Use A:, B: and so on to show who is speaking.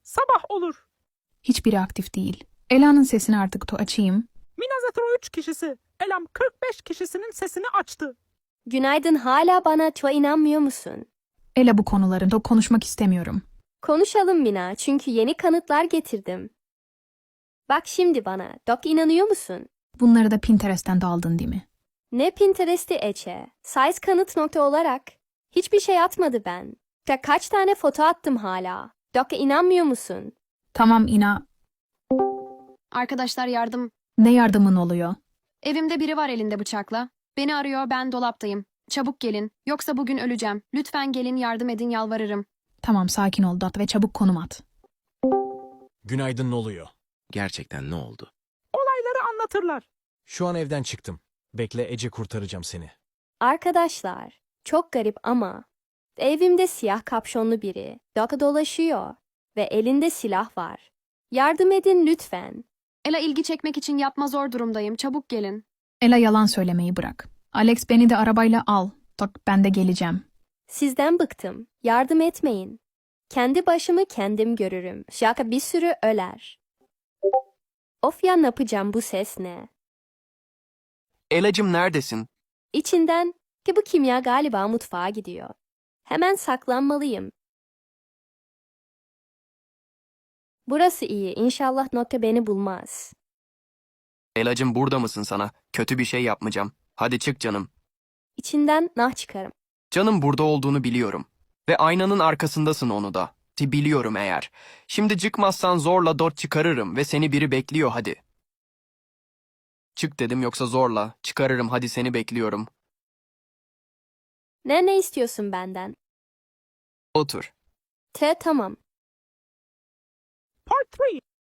A: Sabah olur.
B: Hiçbiri aktif değil. Ela'nın sesini artık açayım.
A: Minazetro 3 kişisi. Elam 45 kişisinin sesini açtı.
C: Günaydın, hala bana çok inanmıyor musun?
B: Ela, bu konularında konuşmak istemiyorum.
C: Konuşalım Mina, çünkü yeni kanıtlar getirdim. Bak şimdi bana, Doc inanıyor musun?
B: Bunları da Pinterest'ten de aldın değil mi?
C: Ne Pinterest'i Ece? Size kanıt nokta olarak. Hiçbir şey atmadı ben. Ya kaç tane foto attım hala. Doc'a inanmıyor musun?
B: Tamam Ina.
D: Arkadaşlar yardım.
B: Ne yardımın oluyor?
D: Evimde biri var elinde bıçakla. Beni arıyor, ben dolaptayım. Çabuk gelin, yoksa bugün öleceğim. Lütfen gelin, yardım edin, yalvarırım.
B: Tamam, sakin ol Dat ve çabuk konum at.
E: Günaydın, ne oluyor?
F: Gerçekten ne oldu?
A: Olayları anlatırlar.
E: Şu an evden çıktım. Bekle Ece, kurtaracağım seni.
C: Arkadaşlar, çok garip ama evimde siyah kapşonlu biri Doc'a dolaşıyor ve elinde silah var. Yardım edin lütfen.
D: Ela, ilgi çekmek için yapma, zor durumdayım. Çabuk gelin.
B: Ela, yalan söylemeyi bırak. Alex, beni de arabayla al. Tak, ben de geleceğim.
C: Sizden bıktım. Yardım etmeyin. Kendi başımı kendim görürüm. Şaka bir sürü öler. Of ya, ne yapacağım, bu ses ne?
F: Elacım neredesin?
C: İçinden ki bu kimya galiba mutfağa gidiyor. Hemen saklanmalıyım. Burası iyi. İnşallah Notte beni bulmaz.
F: Elacım burada mısın sana? Kötü bir şey yapmayacağım. Hadi çık canım.
C: İçinden nah çıkarım.
F: Canım burada olduğunu biliyorum. Ve aynanın arkasındasın onu da. Biliyorum eğer. Şimdi çıkmazsan zorla dört çıkarırım ve seni biri bekliyor hadi. Çık dedim, yoksa zorla. Çıkarırım hadi, seni bekliyorum.
C: Ne istiyorsun benden?
F: Otur.
C: Tamam.
A: Part 3.